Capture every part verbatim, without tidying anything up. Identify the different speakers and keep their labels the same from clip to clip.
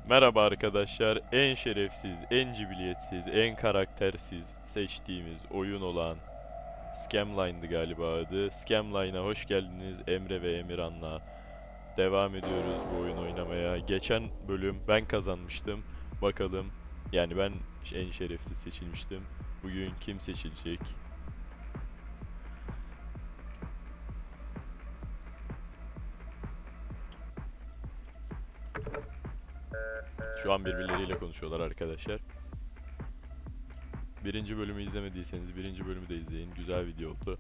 Speaker 1: Merhaba arkadaşlar. En şerefsiz, en cibiliyetsiz, en karaktersiz seçtiğimiz oyun olan Scamline'dı galiba adı. Scamline'a hoş geldiniz. Emre ve Emirhan'la devam ediyoruz bu oyun oynamaya. Geçen bölüm ben kazanmıştım. Bakalım, yani ben en şerefsiz seçilmiştim. Bugün kim seçilecek? Şu an birbirleriyle konuşuyorlar arkadaşlar. Birinci bölümü izlemediyseniz birinci bölümü de izleyin. Güzel video oldu.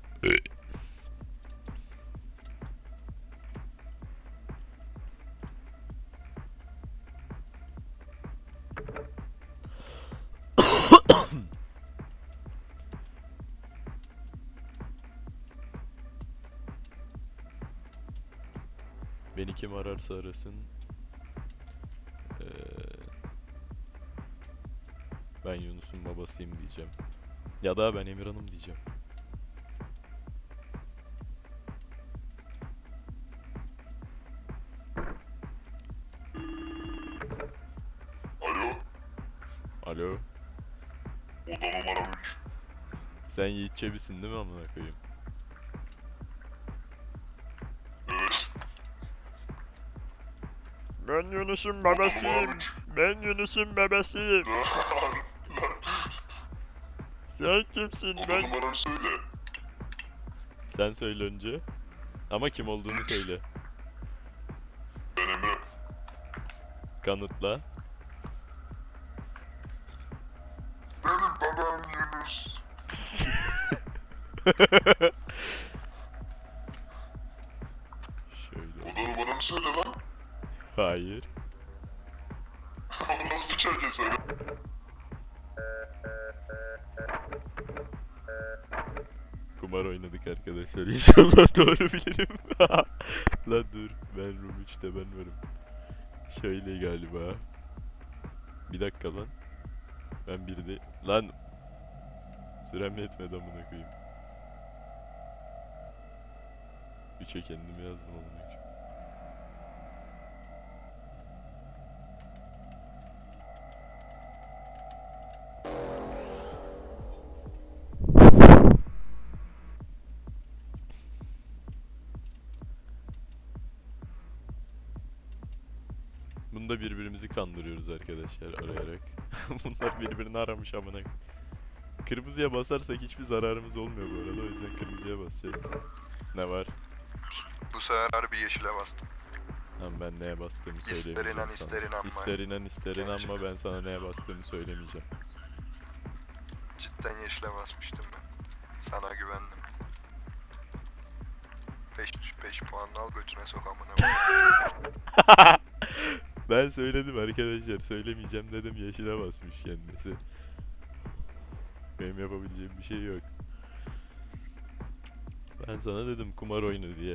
Speaker 1: Beni kim ararsa arasın. Ee, ben Yunus'un babasıyım diyeceğim. Ya da ben Emirhan'ım diyeceğim.
Speaker 2: Alo,
Speaker 1: Alo.
Speaker 2: oda numara üç.
Speaker 1: Sen Yiğit Çebi'sin değil mi amına koyayım?
Speaker 2: Evet.
Speaker 1: Ben Yunus'un
Speaker 2: Oda numara üç.
Speaker 1: Ben Yunus'un babasıyım.
Speaker 2: Lan, lan.
Speaker 1: Sen kimsin
Speaker 2: Oda numaranı söyle.
Speaker 1: Sen söyle önce. Ama kim olduğunu söyle.
Speaker 2: Ben Emre.
Speaker 1: Kanıtla.
Speaker 2: Benim babam Yunus.
Speaker 1: Şöyle.
Speaker 2: Oda numaranı söyle lan.
Speaker 1: Hayır.
Speaker 2: Onu nasıl bir çerke söyle.
Speaker 1: Kumar oynadık arkadaşlar. İnşallah doğru bilirim. La dur. Ben room üçte ben varım. Şöyle galiba. Bir dakika lan. Ben bir de... Lan! Sürem yetmedi amına koyayım. Üçe kendimi yazdım amına koyayım. Bunda birbirimizi kandırıyoruz arkadaşlar arayarak. Bunlar birbirini aramış amına koyayım. Kırmızıya basarsak hiçbir zararımız olmuyor bu arada, o yüzden kırmızıya basacağız. Ne var?
Speaker 3: Bu sefer harbi yeşile bastım.
Speaker 1: Lan ben neye bastığımı
Speaker 3: İster
Speaker 1: söylemeyeceğim
Speaker 3: inan,
Speaker 1: sana.
Speaker 3: ister inanma.
Speaker 1: İster inan ister
Speaker 3: Gerçekten.
Speaker 1: inanma, ben sana neye bastığımı söylemeyeceğim.
Speaker 3: Cidden yeşile basmıştım ben. Sana güvendim. beş beş puanını al götüne sok amına koyayım.
Speaker 1: Ben söyledim arkadaşlar, söylemeyeceğim dedim, yeşile basmış kendisi. Benim yapabileceğim bir şey yok. Ben sana dedim kumar oyunu diye.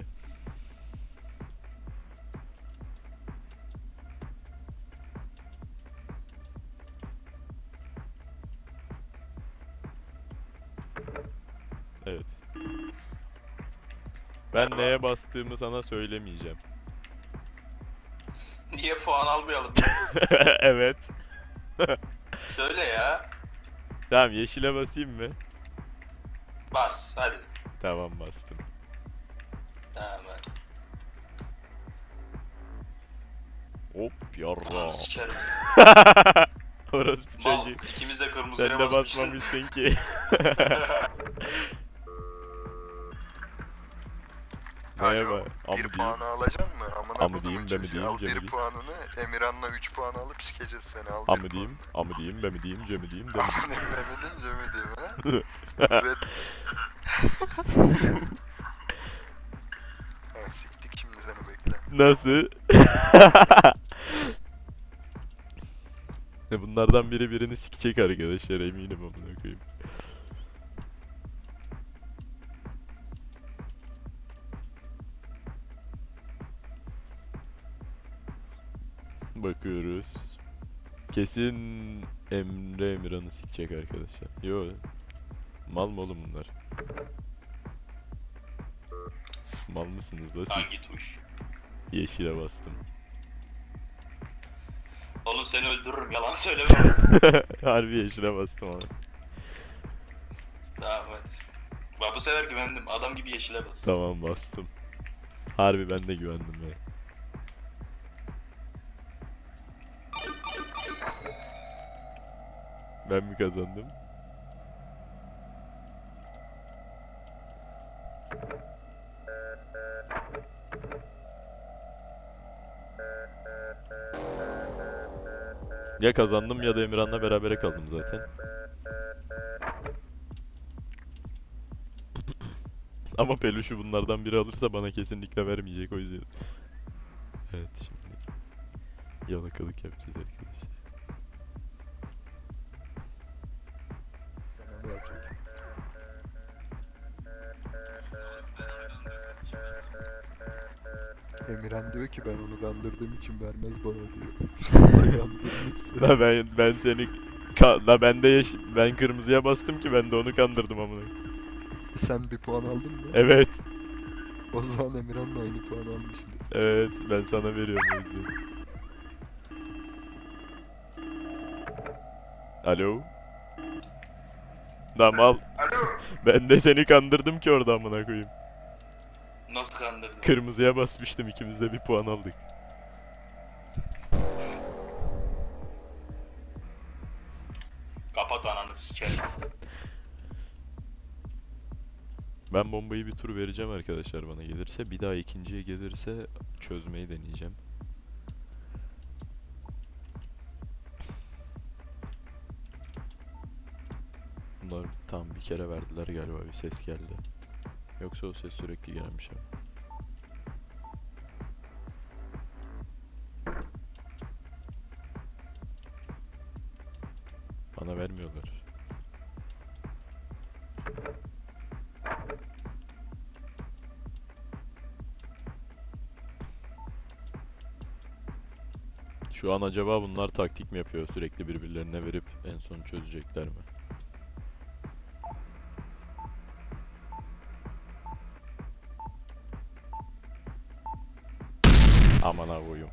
Speaker 1: Evet. Ben neye bastığımı sana söylemeyeceğim.
Speaker 4: Niye puan almayalım?
Speaker 1: Evet.
Speaker 4: Söyle ya.
Speaker 1: Tamam, yeşile basayım mı?
Speaker 4: Bas hadi.
Speaker 1: Tamam, bastım.
Speaker 4: Tamam hadi.
Speaker 1: Hop yarra.
Speaker 4: Ananı sikerim.
Speaker 1: Orası bir
Speaker 4: Mal,
Speaker 1: çocuk.
Speaker 4: ikimiz de kırmızıya
Speaker 1: Sen de
Speaker 4: basmışız.
Speaker 1: basmamışsın ki. Neye
Speaker 3: Alo,
Speaker 1: bak? Amı
Speaker 3: bir
Speaker 1: diyeyim.
Speaker 3: puanı alacaksın mı? Amına
Speaker 1: Amı
Speaker 3: kodumun
Speaker 1: diyeyim, be mi
Speaker 3: çocuğu.
Speaker 1: diyeyim,
Speaker 3: Al
Speaker 1: ce mi
Speaker 3: bir
Speaker 1: diyeyim?
Speaker 3: puanını, Emirhan'la üç puan alıp sikeceğiz seni. Al
Speaker 1: Amı
Speaker 3: bir
Speaker 1: diyeyim,
Speaker 3: puanını.
Speaker 1: amı diyeyim, be mi diyeyim, ce mi diyeyim, de mi
Speaker 3: Amına Mehmet'im Cem'e ha? Ve... ha, siktik şimdi seni bekle.
Speaker 1: Nasıl? Bunlardan biri birini sikecek arkadaşlar, eminim amına koyayım. Bakıyoruz. Kesin Emre Emirhan'ı sikecek arkadaşlar. Yo. Mal mı oğlum bunlar? Mal mısınız la siz?
Speaker 4: Hangi tuş?
Speaker 1: Yeşile bastım.
Speaker 4: Oğlum seni öldürürüm yalan söyleme.
Speaker 1: Harbi yeşile bastım ama.
Speaker 4: Tamam hadi. Bak bu sefer güvendim. Adam gibi yeşile bas.
Speaker 1: Tamam bastım. Harbi ben de güvendim ya. Ben mi kazandım? Ya kazandım ya da Emirhan'la berabere kaldım zaten. Ama peluşu bunlardan biri alırsa bana kesinlikle vermeyecek o yüzden. Evet şimdi yalakalık yapacağız arkadaşlar.
Speaker 3: Sana verecek. Emirhan diyor ki ben onu kandırdığım için vermez bana diyor. Vallahi kandırmışsın.
Speaker 1: La ben ben seni ka- la ben de yeş ben kırmızıya bastım ki ben de onu kandırdım amına.
Speaker 3: Sen bir puan aldın mı?
Speaker 1: Evet.
Speaker 3: O zaman Emirhan'la aynı puan almışsınız.
Speaker 1: Evet ben sana veriyorum o yüzden. Alo. Tamam al.
Speaker 2: Alo.
Speaker 1: Ben de seni kandırdım ki orada amına koyayım.
Speaker 4: Nasıl kandırdın?
Speaker 1: Kırmızıya basmıştım ikimiz de bir puan aldık.
Speaker 4: Kapat ananı sikerim.
Speaker 1: Ben bombayı bir tur vereceğim arkadaşlar bana gelirse. Bir daha ikinciye gelirse çözmeyi deneyeceğim. Bunlar tam bir kere verdiler galiba bir ses geldi. Yoksa o ses sürekli gelen bir şey mi? Bana vermiyorlar. Şu an acaba bunlar taktik mi yapıyor? Sürekli birbirlerine verip en son çözecekler mi? Aman ha koyayım.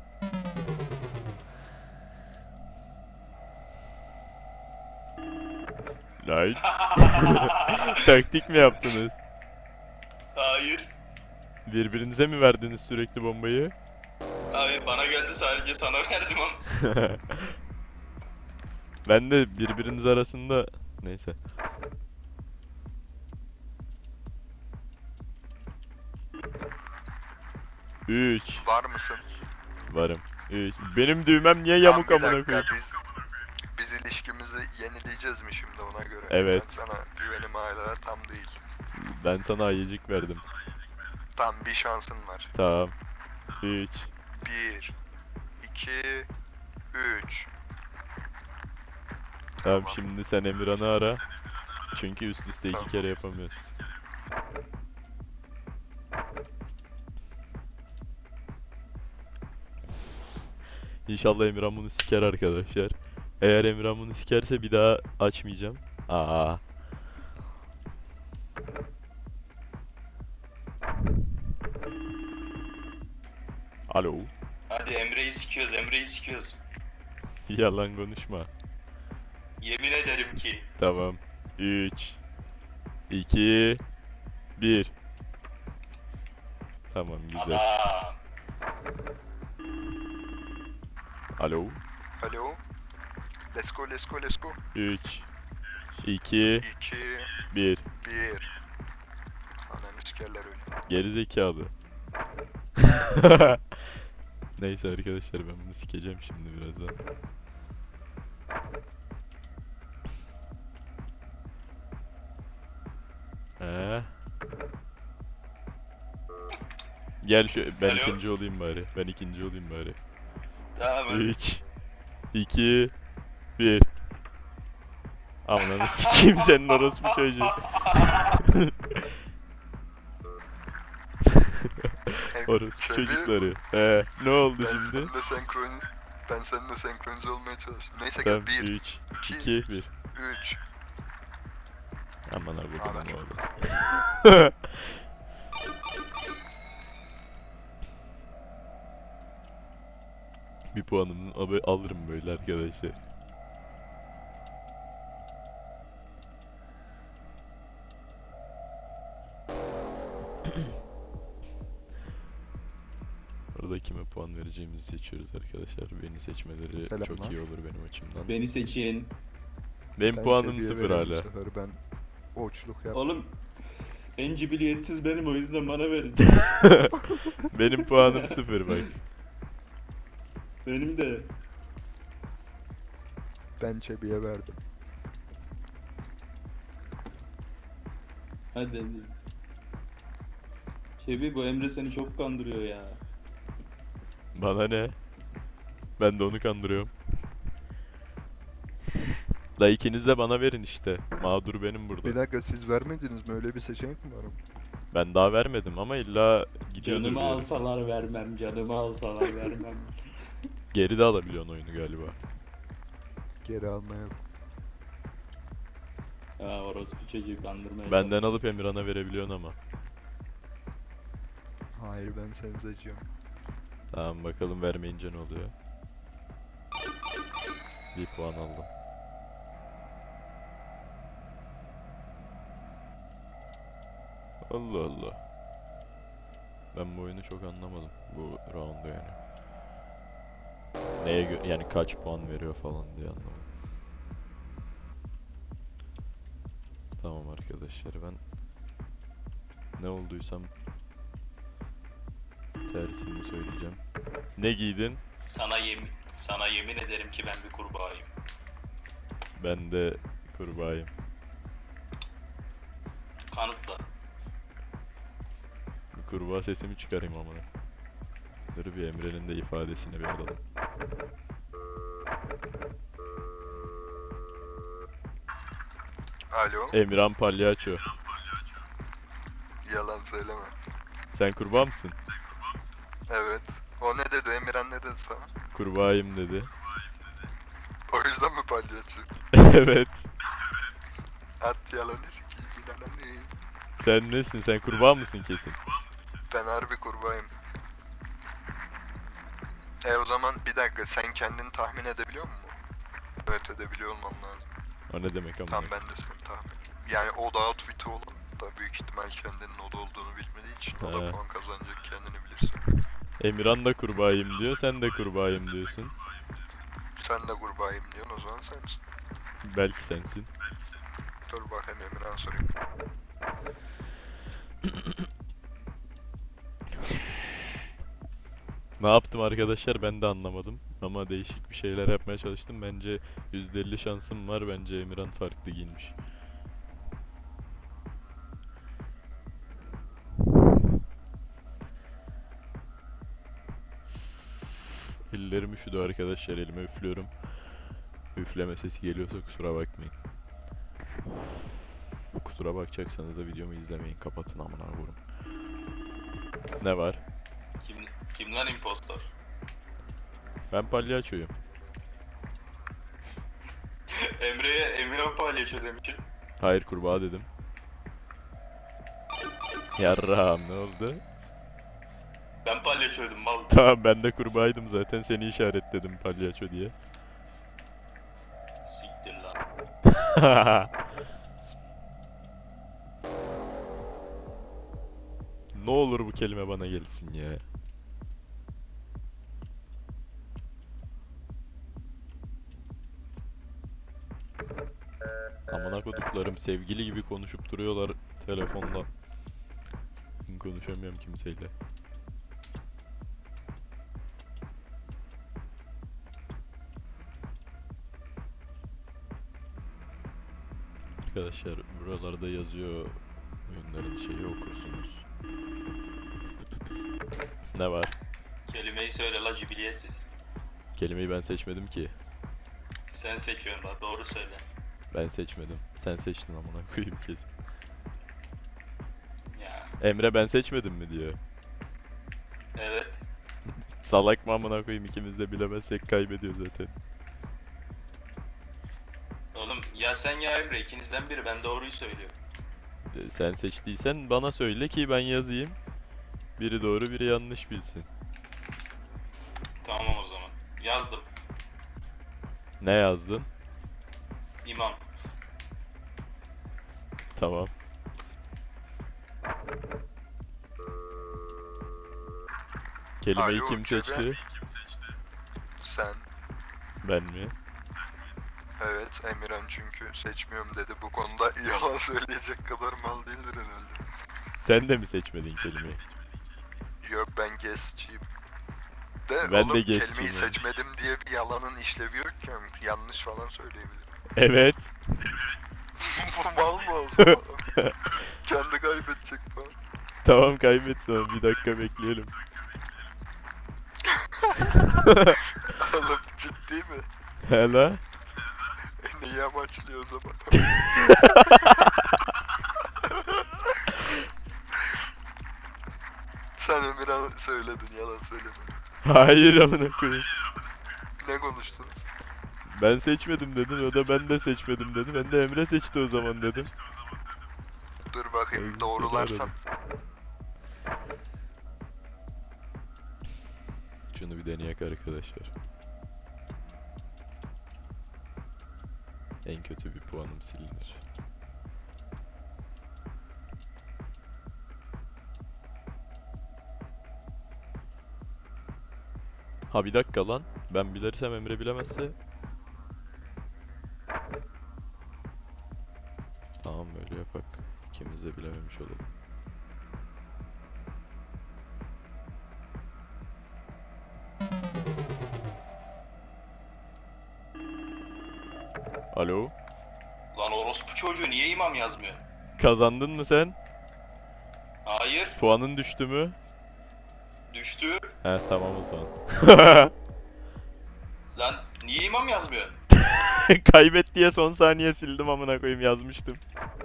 Speaker 1: Lan. Taktik mi yaptınız?
Speaker 4: Hayır.
Speaker 1: Birbirinize mi verdiniz sürekli bombayı?
Speaker 4: Hayır bana geldi sadece sana verdim ama.
Speaker 1: Ben de birbiriniz arasında neyse. Üç.
Speaker 3: Var mısın?
Speaker 1: Varım. Üç. Benim düğmem niye
Speaker 3: Tamam,
Speaker 1: yamuk
Speaker 3: bir
Speaker 1: amına
Speaker 3: dakika,
Speaker 1: koyayım?
Speaker 3: Biz, biz ilişkimizi yenileyeceğiz mi şimdi ona göre?
Speaker 1: Evet.
Speaker 3: Ben sana güvenim hala tam değil.
Speaker 1: Ben sana ayıcık verdim.
Speaker 3: Tam bir şansın var.
Speaker 1: Tamam. Üç.
Speaker 3: Bir, iki, üç.
Speaker 1: Tamam şimdi sen Emirhan'ı ara. Çünkü üst üste iki
Speaker 3: Tamam.
Speaker 1: kere yapamıyorsun. İnşallah Emirhan bunu siker arkadaşlar. Eğer Emirhan bunu sikerse bir daha açmayacağım. Aa. Alo.
Speaker 4: Hadi Emre'yi sikiyoruz Emre'yi sikiyoruz.
Speaker 1: Yalan konuşma.
Speaker 4: Yemin ederim ki.
Speaker 1: Tamam. üç iki bir. Tamam güzel.
Speaker 4: Adam.
Speaker 1: Alo.
Speaker 3: Alo. Let's go, let's go, let's go.
Speaker 1: üç iki
Speaker 3: İki,
Speaker 1: bir.
Speaker 3: bir. Ananı sikerler öyle.
Speaker 1: Gerizekalı. Neyse arkadaşlar ben bunu sikeceğim şimdi birazdan. Ee. Gel şu ben
Speaker 4: Alo.
Speaker 1: ikinci olayım bari. Ben ikinci olayım bari.
Speaker 4: Tamam hadi.
Speaker 1: üç iki bir. Aman sikeyim senin orospu çocuğu.
Speaker 3: Hem
Speaker 1: Orospu
Speaker 3: şöyle,
Speaker 1: çocukları. Ee, ne oldu
Speaker 3: Ben
Speaker 1: şimdi?
Speaker 3: seninle senkron... Ben seninle senkronize olmaya çalıştım. Neyse
Speaker 1: Tamam
Speaker 3: gel. Bir,
Speaker 1: üç
Speaker 3: iki,
Speaker 1: iki bir.
Speaker 3: üç.
Speaker 1: Aman abi
Speaker 3: Aman.
Speaker 1: ne oldu? Bir puanımı abi alırım böyle arkadaşlar. Orada kime puan vereceğimizi seçiyoruz arkadaşlar. Beni seçmeleri çok
Speaker 5: Selamlar.
Speaker 1: iyi olur benim açımdan.
Speaker 4: Beni seçin.
Speaker 1: Benim
Speaker 5: Ben
Speaker 1: puanım
Speaker 5: Çebi'ye
Speaker 1: sıfır
Speaker 5: veriyorum bu
Speaker 1: hala.
Speaker 5: sefer, ben oçluk yap.
Speaker 4: Oğlum en cibiliyetsiz benim, o yüzden bana verin.
Speaker 1: Benim puanım sıfır bak.
Speaker 4: Benim de.
Speaker 5: Ben Çebi'ye verdim.
Speaker 4: Hadi hadi. Çebi, bu Emre seni çok kandırıyor ya.
Speaker 1: Bana ne? Ben de onu kandırıyorum. La ikiniz de bana verin işte. Mağdur benim burada.
Speaker 5: Bir dakika, siz vermediniz mi? Öyle bir seçenek mi var?
Speaker 1: Ben daha vermedim ama illa gidiyordur
Speaker 4: Canımı
Speaker 1: bir yere.
Speaker 4: alsalar vermem, canımı alsalar vermem.
Speaker 1: Geri de alabiliyorsun oyunu galiba.
Speaker 5: Geri alma yok.
Speaker 4: Ha, orospu çocuğu kandırmaya
Speaker 1: Benden alıp Emirhan'a verebiliyorsun ama.
Speaker 5: Hayır, ben seni seçiyorum.
Speaker 1: Tamam bakalım vermeyince ne oluyor. Bir puan aldım. Allah Allah. Ben bu oyunu çok anlamadım. Bu roundu yani. Neye göre yani kaç puan veriyor falan diye anlamadım. Tamam arkadaşlar, ben ne olduysam tersini söyleyeceğim. Ne giydin?
Speaker 4: Sana yemin, sana yemin ederim ki ben bir kurbağayım.
Speaker 1: Ben de kurbağayım.
Speaker 4: Kanıtla.
Speaker 1: Bir kurbağa sesimi çıkarayım amına. Dur bir Emre'nin de ifadesini bir alalım.
Speaker 3: Alo.
Speaker 1: Emirhan Palyaço.
Speaker 3: Yalan söyleme.
Speaker 1: Sen kurbağa mısın?
Speaker 3: Evet. O ne dedi? Emirhan ne dedi sana?
Speaker 1: Kurbağayım dedi.
Speaker 3: O yüzden mi palyaço?
Speaker 1: Evet.
Speaker 3: At yalanı sikiyim inanamıyorum.
Speaker 1: Sen nesin? Sen kurbağa mısın kesin?
Speaker 3: Ben harbi kurbağayım. E o zaman bir dakika, sen kendini tahmin edebiliyor musun? Evet, edebiliyor olmam lazım.
Speaker 1: O ne demek ama?
Speaker 3: Tam ben de seni tahmin. Yani o da outfit'i olan da büyük ihtimal kendinin o da olduğunu bilmediği için o
Speaker 1: He.
Speaker 3: da puan kazanacak, kendini bilirsin.
Speaker 1: Emirhan da kurbağayım diyor, sen de kurbağayım diyorsun.
Speaker 3: Sen de kurbağayım diyorsun, o zaman sensin.
Speaker 1: Belki sensin.
Speaker 3: Dur bakayım, Emirhan sorayım.
Speaker 1: Ne yaptım arkadaşlar ben de anlamadım. Ama değişik bir şeyler yapmaya çalıştım. Bence yüzde elli şansım var. Bence Emirhan farklı giyinmiş. Ellerim üşüdü arkadaşlar. Elime üflüyorum. Üfleme sesi geliyorsa kusura bakmayın. Kusura bakacaksanız da videomu izlemeyin. Kapatın amına koyayım. Ne var?
Speaker 4: Kim, kim lan impostor?
Speaker 1: Ben palyaçoyum.
Speaker 4: Emre'ye Emirhan palyaço demişim.
Speaker 1: Hayır kurbağa dedim. Yarrağım ne oldu?
Speaker 4: Ben palyaçoydum mal.
Speaker 1: Tamam ben de kurbağaydım zaten seni işaretledim palyaço diye.
Speaker 4: Siktir lan.
Speaker 1: Ne olur bu kelime bana gelsin ya. Amına koduklarım sevgili gibi konuşup duruyorlar telefonla. Konuşamıyorum kimseyle. Arkadaşlar buralarda yazıyor, oyunların şeyi okursunuz. Ne var?
Speaker 4: Kelimeyi söyle la cibiliyetsiz.
Speaker 1: Kelimeyi ben seçmedim ki.
Speaker 4: Sen seçiyorsun la, doğru söyle.
Speaker 1: Ben seçmedim. Sen seçtin amına koyayım kesin.
Speaker 4: Ya
Speaker 1: Emre ben seçmedim mi diyor.
Speaker 4: evet.
Speaker 1: Salak mı amına koyayım, ikimiz de bilemezsek kaybediyor zaten.
Speaker 4: Oğlum ya sen ya Emre, ikinizden biri, ben doğruyu söylüyorum.
Speaker 1: Ee, Sen seçtiysen bana söyle ki ben yazayım. Biri doğru biri yanlış bilsin.
Speaker 4: Tamam o zaman. Yazdım.
Speaker 1: Ne yazdın?
Speaker 4: İmam.
Speaker 1: Tamam. Kelimeyi
Speaker 3: Alo,
Speaker 1: kim
Speaker 3: Cebe.
Speaker 1: seçti?
Speaker 3: Sen.
Speaker 1: Ben mi?
Speaker 3: Evet, Emirhan çünkü seçmiyorum dedi. Bu konuda yalan söyleyecek kadar mal değildir herhalde.
Speaker 1: Sen de mi seçmedin kelimeyi?
Speaker 3: Yok, ben guestçiyim. De
Speaker 1: Ben
Speaker 3: oğlum,
Speaker 1: de
Speaker 3: kelimeyi
Speaker 1: guestçiyim yani.
Speaker 3: seçmedim diye bir yalanın işlevi yok ki. Yanlış falan söyleyebilirim.
Speaker 1: Evet.
Speaker 3: Bu mal mı o zaman? Kendi kaybedecek falan.
Speaker 1: Tamam, kaybet sonra, bir dakika bekleyelim.
Speaker 3: Oğlum ciddi mi?
Speaker 1: Hala?
Speaker 3: E, neyi amaçlıyor o zaman? Sen Emirhan söyledin, yalan söyleme.
Speaker 1: Hayır, amına koyayım.
Speaker 3: Ne konuştunuz?
Speaker 1: Ben seçmedim dedin, o da ben de seçmedim dedi. Ben de Emre seçti o zaman dedim.
Speaker 3: Dur
Speaker 1: O
Speaker 3: bakayım,
Speaker 1: yüzden
Speaker 3: doğrularsam.
Speaker 1: seni aradım. Şunu bir deneyek arkadaşlar. En kötü bir puanım silinir. Ha, bir dakika lan. Ben bilirsem Emre bilemezse. Tamam, böyle yapak. İkimiz de bilememiş olalım. Alo?
Speaker 4: Lan orospu çocuğu niye imam yazmıyor?
Speaker 1: Kazandın mı sen?
Speaker 4: Hayır.
Speaker 1: Puanın düştü mü?
Speaker 4: Düştü.
Speaker 1: He, tamam o zaman.
Speaker 4: Lan niye imam yazmıyor?
Speaker 1: Kaybet diye son saniye sildim, amına koyayım, yazmıştım.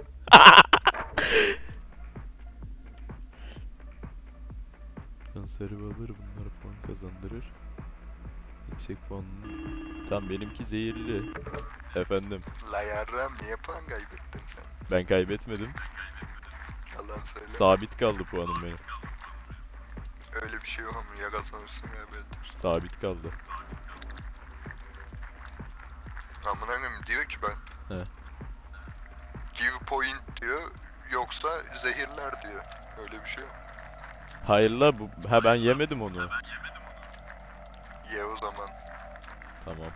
Speaker 1: Konserve alır, bunlar puan kazandırır. Yüksek puan. Tamam, benimki zehirli. Efendim,
Speaker 3: La yarram, niye puan kaybettin sen?
Speaker 1: ben kaybetmedim.
Speaker 3: Yalan söyle.
Speaker 1: Sabit kaldı puanım benim.
Speaker 3: Öyle bir şey yok ama ya kazanırsın ya kaybedersin.
Speaker 1: Sabit kaldı.
Speaker 3: Amına koyayım, diyor ki ben.
Speaker 1: He.
Speaker 3: Give point diyor, yoksa zehirler diyor. Öyle bir şey yok.
Speaker 1: Hayır la, bu ha, ben yemedim onu.
Speaker 3: Ye o zaman.
Speaker 1: Tamam.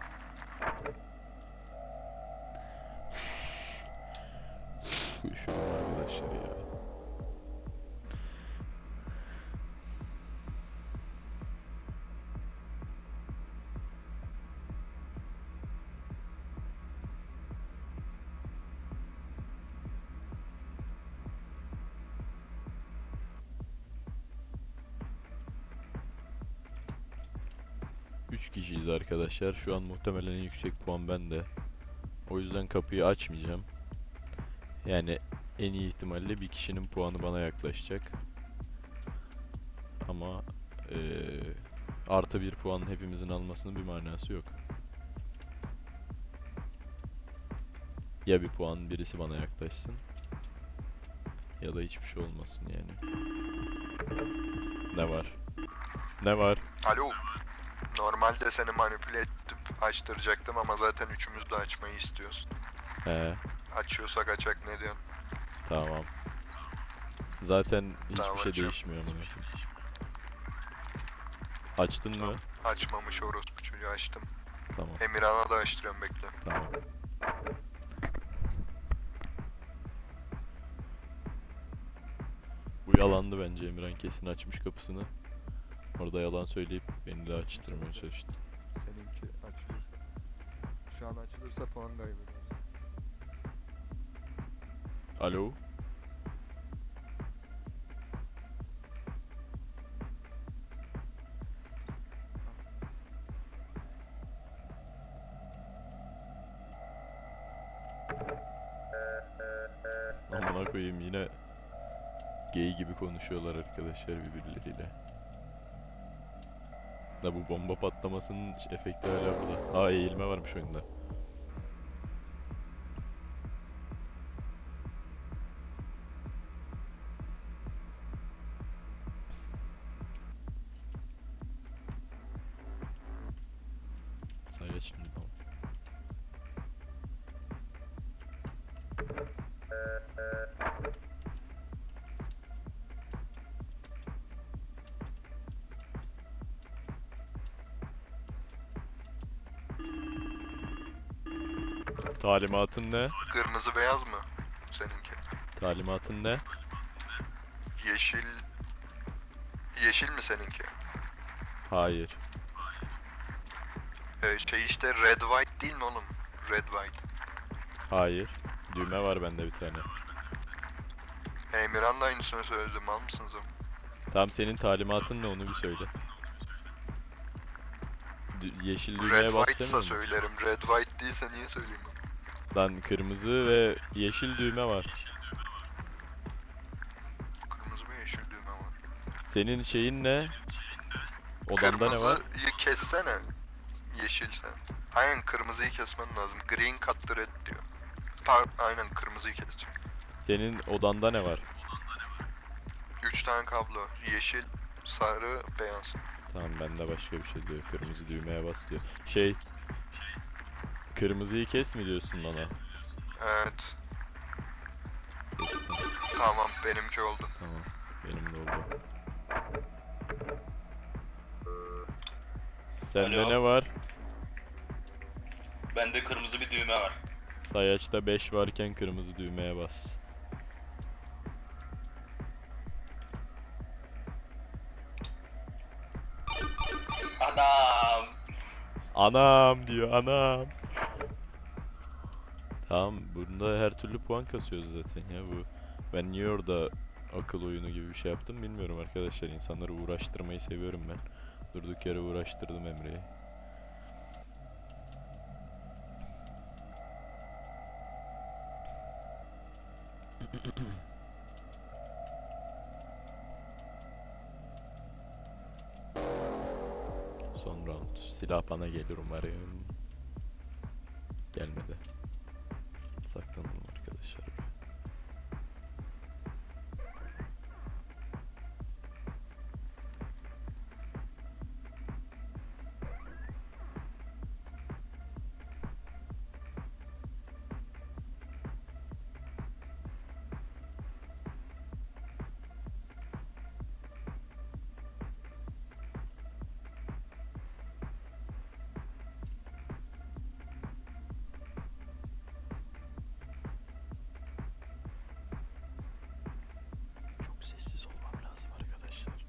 Speaker 1: Üşüdüm arkadaşlar ya. Üç kişiyiz arkadaşlar. Şu an muhtemelen en yüksek puan bende. O yüzden kapıyı açmayacağım. Yani en iyi ihtimalle bir kişinin puanı bana yaklaşacak. Ama eee, artı bir puan hepimizin almasının bir manası yok. Ya bir puan birisi bana yaklaşsın, ya da hiçbir şey olmasın yani. Ne var? Ne var?
Speaker 3: Alo. Normalde seni manipüle edip açtıracaktım ama zaten üçümüz de açmayı istiyoruz.
Speaker 1: He,
Speaker 3: Açıyorsak açak, ne diyorsun?
Speaker 1: tamam. Zaten hiçbir
Speaker 3: Tamam,
Speaker 1: şey
Speaker 3: açıyorum.
Speaker 1: değişmiyor amına koyayım. Açtın mı?
Speaker 3: Açmamış orospu çocuğu, açtım.
Speaker 1: Tamam,
Speaker 3: Emirhan'a da açtırıyorum, bekle.
Speaker 1: tamam. Bu yalandı bence. Emirhan kesin açmış kapısını. Orada yalan söyleyip beni de açtırmaya çalıştı.
Speaker 5: Seninki açılırsa. Şu an açılırsa puan kaybedersin.
Speaker 1: Alo? Amına koyayım, yine gay gibi konuşuyorlar arkadaşlar birbirleriyle. Da bu bomba patlamasının efekti hala burada. Aa, eğilme varmış oyunda. şimdi. Tamam. Talimatın ne?
Speaker 3: Kırmızı beyaz mı seninki?
Speaker 1: Talimatın ne?
Speaker 3: Yeşil... Yeşil mi seninki?
Speaker 1: Hayır.
Speaker 3: Ee, şey işte red white değil mi oğlum? Red white.
Speaker 1: Hayır. Düğme var bende bir tane.
Speaker 3: Emirhan da aynısını söyledi. Mal mısınız oğlum?
Speaker 1: Tamam, senin talimatın ne, onu bir söyle. Dü- yeşil
Speaker 3: Red
Speaker 1: düğmeye bas
Speaker 3: white'sa
Speaker 1: demiyor mu?
Speaker 3: söylerim. Red white değilse niye söyleyeyim ben?
Speaker 1: Lan kırmızı ve yeşil düğme var.
Speaker 3: Kırmızı ve yeşil düğme var.
Speaker 1: Senin şeyin ne? Odanda ne var?
Speaker 3: Kırmızıyı kessene. Yeşilse. Aynen kırmızıyı kesmen lazım. Green cut the red diyor. Par aynen kırmızıyı keseceğim.
Speaker 1: Senin odanda ne var?
Speaker 3: Üç tane kablo. Yeşil, sarı, beyaz.
Speaker 1: Tamam, bende başka bir şey diyor. Kırmızı düğmeye bas diyor. Şey... Kırmızıyı kes mi diyorsun bana?
Speaker 3: Evet.
Speaker 1: Kestim.
Speaker 3: Tamam benimki oldu.
Speaker 1: Tamam. Benim de oldu. Sende
Speaker 4: Alo.
Speaker 1: ne var?
Speaker 4: Bende kırmızı bir düğme var.
Speaker 1: Sayaçta beş varken kırmızı düğmeye bas.
Speaker 4: Adam.
Speaker 1: Anam diyor, anam. Tamam, bunda her türlü puan kasıyoruz zaten ya bu. Ben niye orada akıl oyunu gibi bir şey yaptım bilmiyorum arkadaşlar. İnsanları uğraştırmayı seviyorum ben. Durduk yere uğraştırdım Emre'yi. Son round. Silah bana gelir umarım. Gelmedi. Saklanalım arkadaşlar. Çok sessiz olmam lazım arkadaşlar.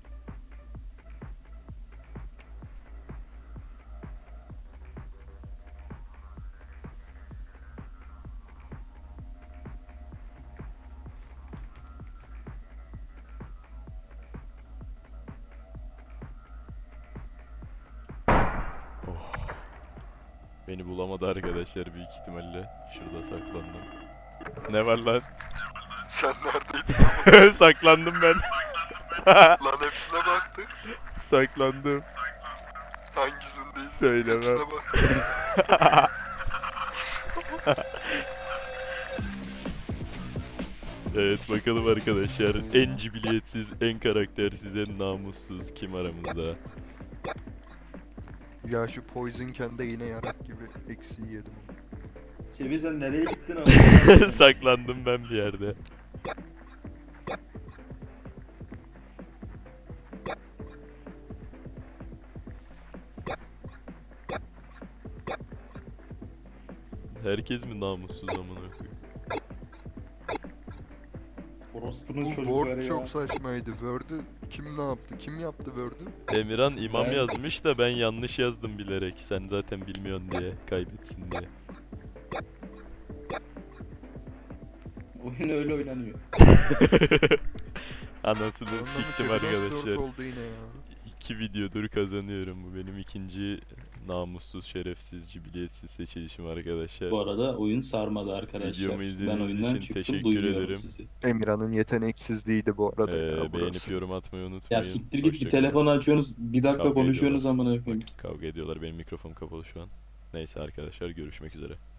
Speaker 1: Oh. Beni bulamadı arkadaşlar büyük ihtimalle. Şurada saklandım. Ne var lan?
Speaker 3: Sen neredeydin?
Speaker 1: Saklandım ben.
Speaker 3: Lan hepsine baktık.
Speaker 1: Saklandım.
Speaker 3: Hangisindeyiz?
Speaker 1: Söylemem.
Speaker 3: Hepsine bak.
Speaker 1: Evet, bakalım arkadaşlar. En cibiliyetsiz, en karaktersiz, en namussuz kim aramızda?
Speaker 5: Ya şu Poison de yine yarak gibi eksiği yedim.
Speaker 6: Çevi sen nereye gittin ama?
Speaker 1: Saklandım ben bir yerde. Herkes mi namussuz amına koyayım?
Speaker 6: Orospu'nun
Speaker 5: Bu
Speaker 6: çocukları
Speaker 5: Word
Speaker 6: ya.
Speaker 5: çok saçmaydı. Word'ü kim ne yaptı? Kim yaptı Word'ü?
Speaker 1: Emirhan imam
Speaker 6: Ben-
Speaker 1: yazmış da ben yanlış yazdım bilerek. Sen zaten bilmiyorsun diye, kaybetsin diye.
Speaker 6: Oyun öyle oynanıyor.
Speaker 1: Anasını
Speaker 5: Ondan mı
Speaker 1: siktim
Speaker 5: çeviri nasıl dört
Speaker 1: arkadaşlar.
Speaker 5: oldu yine ya.
Speaker 1: İki videodur kazanıyorum. Bu benim ikinci namussuz, şerefsiz, cibiliyetsiz seçilişim arkadaşlar.
Speaker 6: Bu arada oyun sarmadı arkadaşlar.
Speaker 1: Videomu
Speaker 6: Ben
Speaker 1: izlediğiniz
Speaker 6: oyundan
Speaker 1: için
Speaker 6: çıktım,
Speaker 1: teşekkür
Speaker 6: duyuyorum
Speaker 1: ederim.
Speaker 6: sizi.
Speaker 5: Emirhan'ın yeteneksizliğiydi bu arada
Speaker 1: Ee,
Speaker 5: ya
Speaker 1: beğenip
Speaker 5: burası.
Speaker 1: yorum atmayı unutmayın.
Speaker 6: Ya siktir git, bir
Speaker 1: Hoşça kalın.
Speaker 6: telefonu açıyorsunuz, bir dakika
Speaker 1: Kavga
Speaker 6: konuşuyorsunuz
Speaker 1: ediyorlar.
Speaker 6: amına koyayım.
Speaker 1: Bak, kavga ediyorlar. Benim mikrofon kapalı şu an. Neyse arkadaşlar, görüşmek üzere.